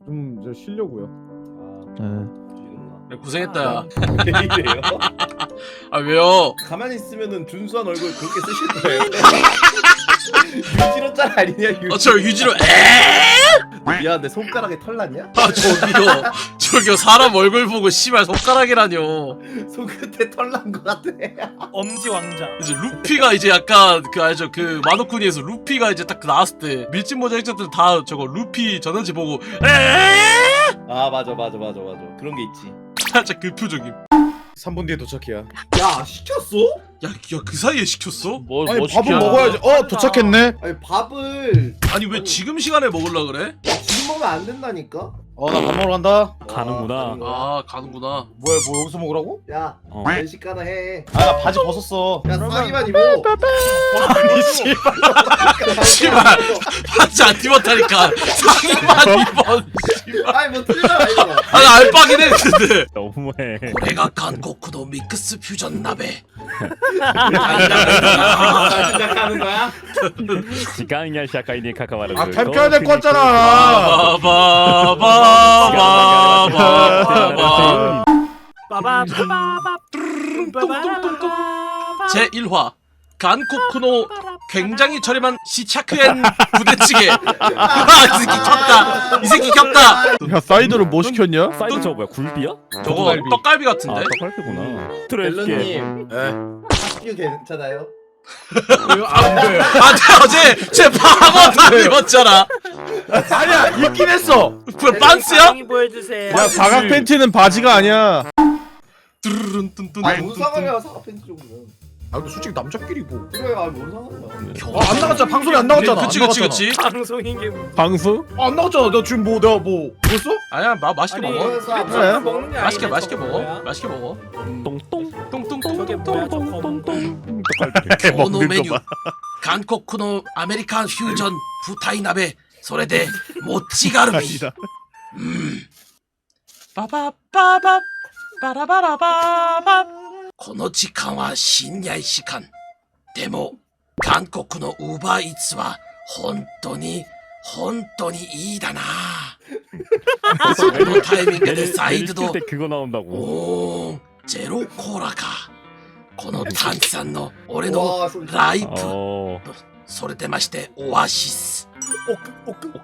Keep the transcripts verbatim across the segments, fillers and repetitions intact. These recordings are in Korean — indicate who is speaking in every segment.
Speaker 1: 좀 이제 쉬려고요.
Speaker 2: 네.
Speaker 3: 야, 고생했다.
Speaker 4: 왜 이래요?
Speaker 3: 아 왜요?
Speaker 4: 가만히 있으면은 준수한 얼굴 그렇게 쓰실 거예요. 유지로 짤 아니냐 유지.
Speaker 3: 어, 저 유지로 에?
Speaker 4: 미안한데 손가락에 털 났냐?
Speaker 3: 아 저기요, 저기요 사람 얼굴 보고 씨발 손가락이라뇨.
Speaker 4: 손끝에 털 난 거 같아.
Speaker 5: 엄지 왕자.
Speaker 3: 이제 루피가 이제 약간 그 알죠, 그 마노쿠니에서 루피가 이제 딱 나왔을 때 밀짚 모자 액자들 다 저거 루피 전원지 보고 에?
Speaker 4: 아 맞아 맞아 맞아 맞아 그런 게 있지.
Speaker 3: 살짝 그 표정임.
Speaker 1: 삼 분 뒤에 도착해야.
Speaker 4: 야 시켰어?
Speaker 3: 야, 야 그 사이에 시켰어?
Speaker 2: 뭐,
Speaker 1: 아니
Speaker 2: 뭐
Speaker 1: 밥은
Speaker 2: 시켜?
Speaker 1: 먹어야지. 어 도착했네.
Speaker 4: 아니 밥을
Speaker 3: 아니 왜 지금 시간에 먹으려 그래?
Speaker 4: 지금 먹으면 안 된다니까.
Speaker 1: 어 나 밥 먹으러 간다.
Speaker 2: 가는구나.
Speaker 4: 와, 가는 거야.
Speaker 3: 아 가는구나.
Speaker 1: 뭐야 뭐 여기서 먹으라고?
Speaker 4: 야
Speaker 2: 어.
Speaker 4: 면식 하나 해.
Speaker 1: 아 나 바지 벗었어.
Speaker 4: 야 싸기만 입어.
Speaker 1: 아니 씨발.
Speaker 3: 씨발 바지 안 입었다니까. 상의만 입어.
Speaker 4: 아니 뭐 틀리잖아 이거.
Speaker 3: 아니 알바긴 해 근데.
Speaker 2: 너무해.
Speaker 3: 내가 한국의 믹스 퓨전 나베.
Speaker 4: 시작하는 거야?
Speaker 2: 時間や社会に関わらず
Speaker 1: 아 캠프해야 될 거 같잖아.
Speaker 3: 바바바바바바바.
Speaker 5: 빠바바바바.
Speaker 3: 제일 화 간코쿠노 굉장히 저렴한 시차크엔 부대찌개. 아, 이 새끼 겹다. 이 새끼 겹다.
Speaker 1: 야 사이드로 뭐 시켰냐?
Speaker 2: 사이드 저거 뭐야? 굴비야?
Speaker 3: 저거
Speaker 1: 떡갈비.
Speaker 3: 떡갈비
Speaker 2: 아
Speaker 3: 같은데?
Speaker 2: 떡갈비구나. 트레스게.
Speaker 4: 멜론님
Speaker 1: 에.
Speaker 4: 학교 괜찮아요?
Speaker 1: 안 돼.
Speaker 3: 아, 쟤 어제 쟤 바보 다 입었잖아.
Speaker 1: 아니야 입긴 했어.
Speaker 3: 그 빤스야?
Speaker 5: 강의 보여주세요.
Speaker 1: 야 사각 팬티는 바지가 아니야.
Speaker 3: 뚜루룬 뚠뚠.
Speaker 4: 아니 뭔 상관이야 사과 팬티 정도면.
Speaker 1: 아 근데 솔직히 남자끼리 뭐.
Speaker 4: 그래 아니 뭔 상관이야.
Speaker 1: 아, 안 나갔잖아. 방송에 안 나갔잖아.
Speaker 3: 그치
Speaker 1: 안
Speaker 3: 그치
Speaker 1: 나갔잖아.
Speaker 3: 그치.
Speaker 5: 방송인 게 뭐.
Speaker 1: 방송? 아, 안 나갔잖아. 나 지금 뭐 내가 뭐 뭐였어?
Speaker 3: 아니야, 마 맛있게
Speaker 5: 아니,
Speaker 3: 먹어.
Speaker 4: 먹어.
Speaker 1: 그래.
Speaker 5: 먹는 게
Speaker 3: 맛있게
Speaker 5: 아니네,
Speaker 3: 맛있게
Speaker 5: 저거
Speaker 3: 먹어.
Speaker 5: 뭐야?
Speaker 3: 맛있게 먹어.
Speaker 2: 똥똥.
Speaker 5: 저게 뭐야, 저 검은
Speaker 2: 똥똥똥똥똥. 떡갈비.
Speaker 3: 오노 메뉴 간코쿠노 아메리칸 퓨전 부타이나베 소레데 모찌가르비. 음. 빠바빠바 빠라바라바바. この時間は深夜時間。でも韓国のウーバーイーツは本当に本当にいいだな。そのタイミングでサイドド
Speaker 2: 때 그거 나온다고.
Speaker 3: おーゼロコーラか。この炭酸の俺の
Speaker 4: 와 소리.
Speaker 3: ライプ。
Speaker 2: 어.
Speaker 3: それでましてオアシス。
Speaker 5: 오크 오크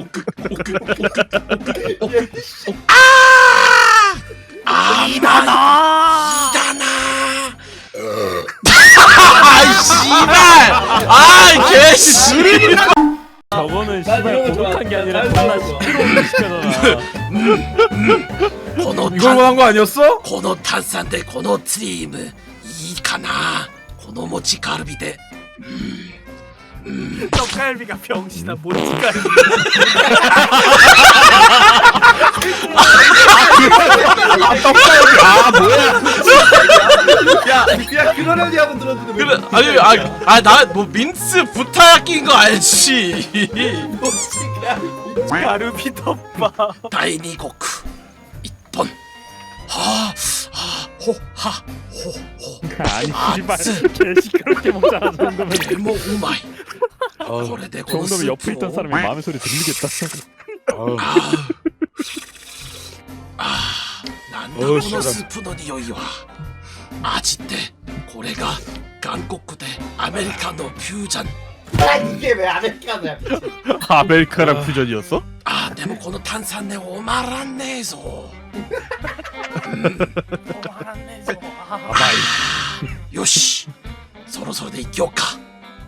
Speaker 3: あーいいだな。いいだな。아이 씨발! 아이 개씨!
Speaker 2: 저거는
Speaker 4: 난
Speaker 2: 씨발
Speaker 4: 이런 거 좋아.
Speaker 2: 고독한 게 아니라
Speaker 4: 난
Speaker 2: 존나
Speaker 4: 이런 거 좋아.
Speaker 2: 시끄러운 시켜잖아.
Speaker 3: この
Speaker 1: 이걸 원한 거 아니었어?
Speaker 3: この炭酸でこのツリームいいかな。この餅カルビで。
Speaker 5: 떡갈비가 병신아 모찌갈비.
Speaker 1: 아 뭐야?
Speaker 4: 야, 야 그러려니 한번 들었는데 왜
Speaker 3: 그래 아니 아나 뭐 민스 부타야끼인 거 알지.
Speaker 4: 뭐지가?
Speaker 5: 가르비 덮밥.
Speaker 3: 第二国一本。はあはあほはほほ。
Speaker 2: 아니 씨발 개 시끄럽게 먹잖아. 저 정도면
Speaker 3: でもうまい。これで
Speaker 2: 저
Speaker 3: このス
Speaker 2: 정도면
Speaker 3: ー
Speaker 2: 옆에
Speaker 3: プ
Speaker 2: 있던
Speaker 3: を。
Speaker 2: 사람이 마음의 소리 들리겠다.
Speaker 3: 아, 아, 난다
Speaker 1: 어우,
Speaker 3: この
Speaker 1: 씨발.
Speaker 3: スープの匂いは味ってこれが韓国でアメリカのフュージョン。
Speaker 4: 아 이게 왜 아메리카노야?
Speaker 1: 아메리카랑 퓨전이었어?
Speaker 3: あでもこの炭酸ねおまらんねえぞ。
Speaker 5: 어, 알았네. 저거. 아,
Speaker 3: よしそろそろでいきようか。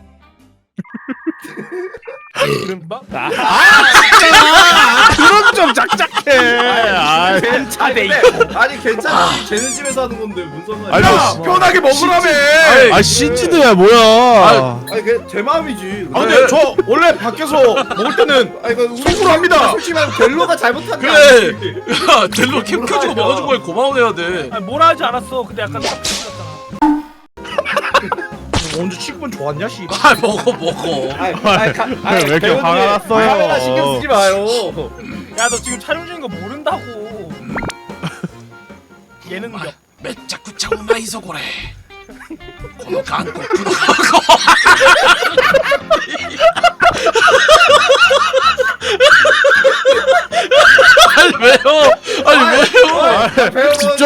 Speaker 2: 아,
Speaker 1: 그런 좀 작작해. 아,
Speaker 4: 괜찮아. 아니 괜찮아. 쟤네 집에서 하는 건데 무슨 상관이야?
Speaker 1: 아니 뭐 편하게 먹으라며.
Speaker 3: 아이,
Speaker 1: 아 신지드야 뭐야?
Speaker 4: 아니 그게 제 마음이지.
Speaker 1: 아 근데 저 원래 밖에서 먹을 때는
Speaker 4: 아니 그
Speaker 1: 속으로 합니다.
Speaker 4: 솔직히 말하면 델로가 잘못한 게
Speaker 3: 그래.
Speaker 4: 아니지.
Speaker 3: 야 델로 캠 켜주고 먹어준 거에 고마워해야 돼.
Speaker 5: 아니, 뭐라 하지 않았어. 근데 약간 딱 비슷했잖아.
Speaker 1: 언제 취급은 좋았냐 씨.
Speaker 3: 아 먹어 먹어.
Speaker 4: 아니, 아니, 가, 아니,
Speaker 1: 왜 이렇게
Speaker 4: 배우님,
Speaker 1: 화가 났어요?
Speaker 4: 카메라 신경 쓰지 마요.
Speaker 5: 야 너 지금 촬영 중인 거 모른다고. 얘는 몇
Speaker 3: めっちゃくちゃうまいぞこれ。この韓国の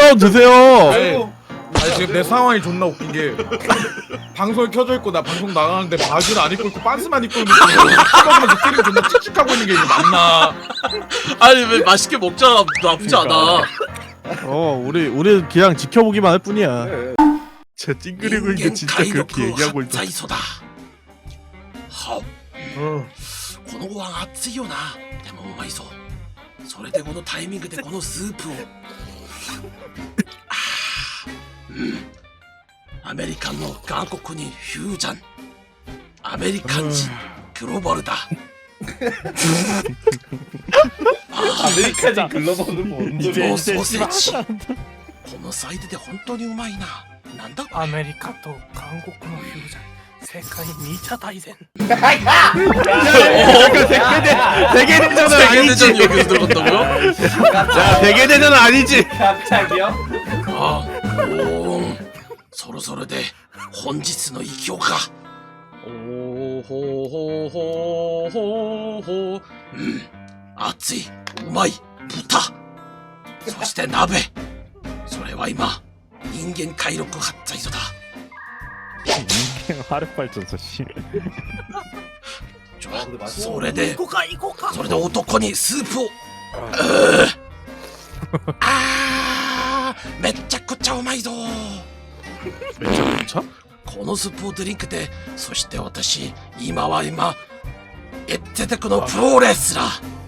Speaker 1: 원 드세요.
Speaker 4: 아이고.
Speaker 1: 아니 지금 내 상황이 존나 웃긴 게 방송이 켜져 있고 나 방송 나가는데 바지를 안 입고 있고 빤스만 입고 있는 거 찍어주면서 끼리고 존나 칙칙하고 있는 게 이거 맞나?
Speaker 3: 아니 왜 맛있게 먹자 나쁘지 않아.
Speaker 6: 어 우리 우리 그냥 지켜보기만 할 뿐이야.
Speaker 4: 네.
Speaker 6: 쟤 찡그리고 있는 게 진짜 그렇게 얘기하고 있다.
Speaker 3: ザイソだ。は、
Speaker 1: 어.
Speaker 3: このご飯熱いよな。でもうまいぞ。それでこのタイミングでこのスープを。あーうん。アメリカンの韓国にフュージョン。アメリカン人グローバルだ。
Speaker 4: 아메리카지 글로벌은 뭔
Speaker 2: 이제
Speaker 4: 소리야?
Speaker 3: このソーセージ。
Speaker 2: 씨발.
Speaker 3: このサイズで本当にうまいな。なんだこれ。
Speaker 5: アメリカと韓国のフュージョン世界に茶大戦
Speaker 6: 세계대전은
Speaker 3: 세계대전
Speaker 6: 아니지.
Speaker 3: 여기서 들어간다고요?
Speaker 6: 자 세계대전은 아니지.
Speaker 4: 갑자기요?
Speaker 3: ああ、おーん。そろそろで本日の偉業か。おーほーほーほーほーほー。うん。熱い、うまい、豚。そして鍋。それは今、人間回録発財所だ。
Speaker 2: 인생 하르발전소 씨.
Speaker 3: ちょ、それで、
Speaker 5: 行こうか行こうか
Speaker 3: それで男にスープを。うーあー、めっちゃくちゃうまいぞ。めっちゃくちゃこのスープをドリンクで、そして私、今は今、エッテテクのプロレスラー。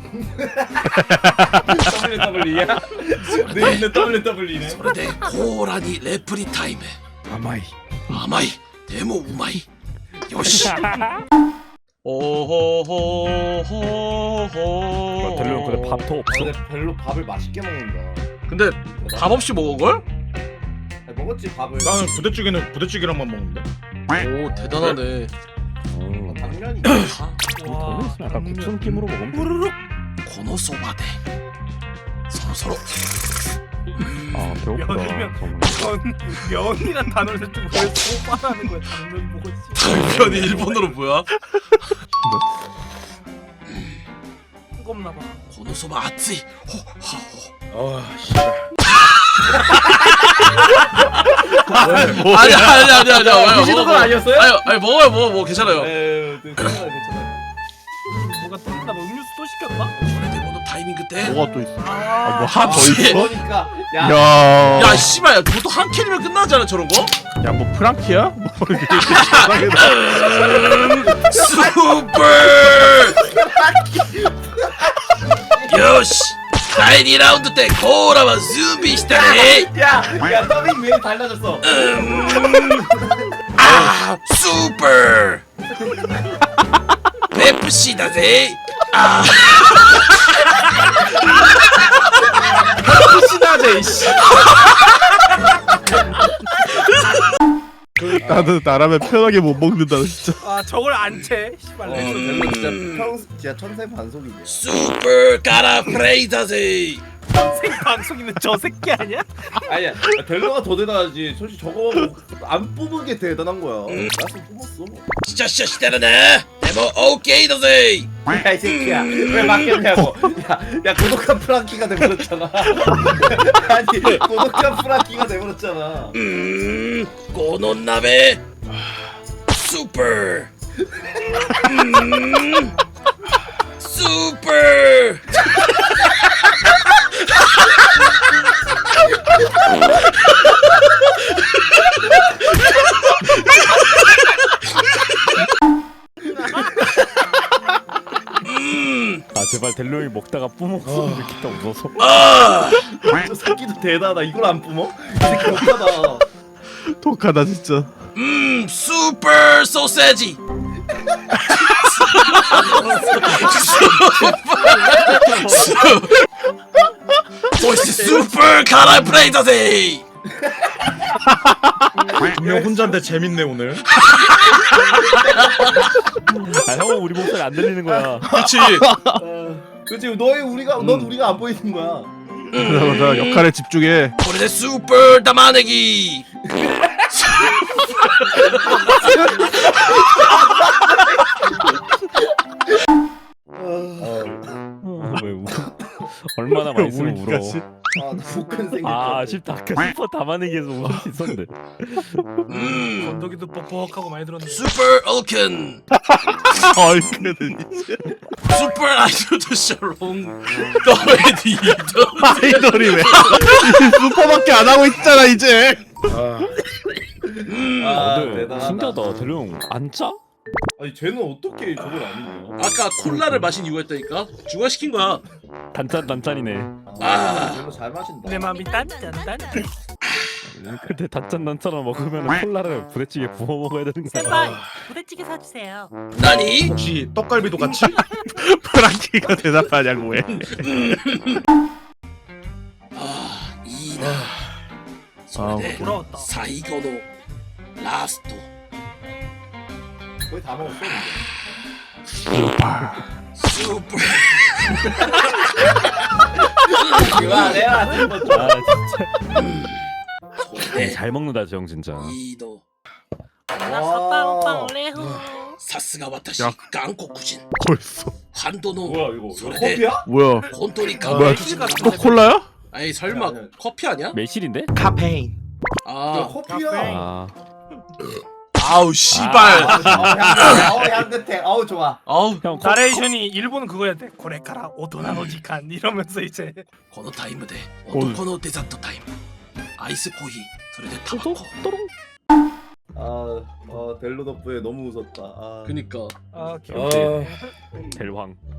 Speaker 4: 더블유더블유이야? 내 있는 더블유더블유이네.
Speaker 3: それでコーラにレプリタイム。
Speaker 6: 甘い.
Speaker 3: 甘い。でもうまい。よし。おほほほほ。
Speaker 2: 델로형 근데 밥도 없어?
Speaker 4: 근데 별로 밥을 맛있게 먹는다.
Speaker 3: 근데 밥 없이 먹은 걸?
Speaker 4: 아니, 먹었지 밥을.
Speaker 1: 나는 부대찌개는 부대찌개랑만 먹는데.
Speaker 3: 오 대단하네.
Speaker 2: 음.
Speaker 4: 당연히.
Speaker 2: 돈 있으면 약간 국수 느낌으로 먹으면 돼.
Speaker 3: このそばでそろそろ
Speaker 2: 아 배고프다.
Speaker 5: 면이면
Speaker 2: 정말.
Speaker 5: 면 면이란 단어를 쓰고 왜 소바라는 거야 당면 먹었지
Speaker 3: 당면이 일본어로 뭐야?
Speaker 5: 뜨겁나 봐
Speaker 3: このそば熱いほは
Speaker 1: 아 씨발.
Speaker 3: ほ 아니 아니 아니 아니 아니
Speaker 4: 드시는 건 아니었어요?
Speaker 3: 아니 아니 먹어요 먹어 먹어 괜찮아요.
Speaker 4: 에이, 괜찮아 괜찮아.
Speaker 5: 뭐가 뜬다 뭐 음료수 또 시켰나?
Speaker 3: それでこのタイミングで
Speaker 6: 뭐가 또 있어?
Speaker 5: 아,
Speaker 6: 뭐 하나 더 있어?
Speaker 4: 그러니까 야.
Speaker 6: 야.
Speaker 3: 야 씨발 야 보통 한 캔이면 끝나잖아 저런 거?
Speaker 6: 야 뭐 프랑키야? 뭐 이렇게 이상하게
Speaker 3: 슈퍼! 요시! だいにラウンドでコーラは準備したね
Speaker 4: 야, 야 더빙 왜 달라졌어?
Speaker 3: 아, 슈퍼! 펩시だぜ 아,
Speaker 1: 신나제 씨.
Speaker 6: 나는 나라면 편하게 못 먹는다 진짜.
Speaker 5: 아 저걸 안채 씨발
Speaker 4: 어,
Speaker 5: 레전드.
Speaker 4: 델로 진짜 평 진짜 천생 반속이네.
Speaker 3: 슈퍼 가라 프레이だぜ
Speaker 5: 생방송이면 저 새끼 아니야?
Speaker 4: 아니야, 델로가 더 대단하지. 솔직히 저거 안 뽑은 게 대단한 거야. 나도 뽑았어.
Speaker 3: 진짜 진짜してるねでも 오케이 だぜ
Speaker 4: 야 이 새끼야, 왜 막혔냐고. 야, 야 고독한 프랑키가 돼버렸잖아. 아니 고독한 프랑키가 돼버렸잖아.
Speaker 3: うーんこの鍋スーパーうーんスーパー
Speaker 2: 아 제발 델로형이 먹다가 뿜었으면 좋겠다 웃어서.
Speaker 3: 아
Speaker 4: 저 새끼도 대단하다. 이걸 안 뿜어? 이 새끼 독하다.
Speaker 6: 독하다 진짜.
Speaker 3: 음 슈퍼 소세지そしてスーパー辛いプレイだぜ
Speaker 1: 분명 혼자인데 재밌네 오늘.
Speaker 2: 아 형은 우리 목소리 안 들리는 거야.
Speaker 3: 그치
Speaker 4: 어, 그렇지. 너희 우리가 넌 우리가 안 보이는 거야.
Speaker 6: 자 역할에 집중해.
Speaker 3: これでスーパー玉ねぎ
Speaker 2: 왜 울어? 얼마나 맛있으면 울어.
Speaker 6: 울기까지.
Speaker 4: 아, 나 복근 생길
Speaker 2: 아
Speaker 4: 아,
Speaker 2: 아쉽다. 아까 슈퍼 담아내기 위해서 웃을 수 있었는데.
Speaker 3: 음
Speaker 5: 건더기도 뻑뻑하고 많이 들었네.
Speaker 3: 슈퍼 올큰
Speaker 6: 얼큰은
Speaker 3: 슈퍼 아이돌 샤롱 더레디더
Speaker 6: 아이돌이 왜 슈퍼밖에 안 하고 있잖아 이제.
Speaker 3: 음
Speaker 2: 아
Speaker 4: 아,
Speaker 2: 근데
Speaker 4: 대단하다.
Speaker 2: 신기하다. 델로형 안 짜?
Speaker 4: 아니 쟤는 어떻게 저걸 아는 거야?
Speaker 3: 아까 콜라를 마신 이유가 있다니까? 중화시킨 거야.
Speaker 2: 단짠 단짠이네.
Speaker 3: 아.
Speaker 4: 쟤는 잘 마신다.
Speaker 5: 내 맘이 딴딴딴.
Speaker 2: 근데 단짠 단짠을 먹으면 콜라를 부대찌개 부어 먹어야 되는 거야.
Speaker 7: 제발 부대찌개 사주세요.
Speaker 3: 나니?
Speaker 1: 혹시 떡갈비도 같이?
Speaker 6: 프랑키가 대답하냐고 해.
Speaker 3: 아 이나
Speaker 6: 아,
Speaker 3: 소레데
Speaker 5: 돌아왔다.
Speaker 3: 사이고노 라스트
Speaker 4: 거의 다 먹었어. 근데.
Speaker 3: 슈퍼
Speaker 4: 그만해라.
Speaker 2: 아 진짜.
Speaker 3: 소레데
Speaker 2: 잘 먹는다 저 형 진짜.
Speaker 3: 이도
Speaker 7: 나 사빵빵 레후.
Speaker 3: 사스가 와타시
Speaker 6: 야.
Speaker 3: 한국인
Speaker 6: 벌써.
Speaker 3: 한도노
Speaker 4: 뭐야 이거? 이거
Speaker 3: 소레데
Speaker 4: 커피야?
Speaker 6: 뭐야?
Speaker 3: 혼돈이
Speaker 5: 아,
Speaker 6: 뭐야?
Speaker 3: 가만히
Speaker 6: 또 콜라야?
Speaker 3: 아니 설마
Speaker 4: 아니, 아니.
Speaker 3: 커피 아니야?
Speaker 2: 매실인데?
Speaker 5: 카페인.
Speaker 4: 이거
Speaker 3: 아
Speaker 4: 커피야.
Speaker 2: 아
Speaker 3: 아우 씨발
Speaker 4: 아우 향긋해. 아우 좋아.
Speaker 3: 아우
Speaker 2: 형 거,
Speaker 5: 나레이션이 일본은 그거였대. 고레카라 오토나노 지칸 이러면서 이제
Speaker 3: このタイムで男のデザートタイムアイスコーヒーそれでタバコ
Speaker 4: 아, 아 델로 덕분에 너무 웃었다. 아.
Speaker 3: 그니까
Speaker 5: 아
Speaker 2: 역시 델황.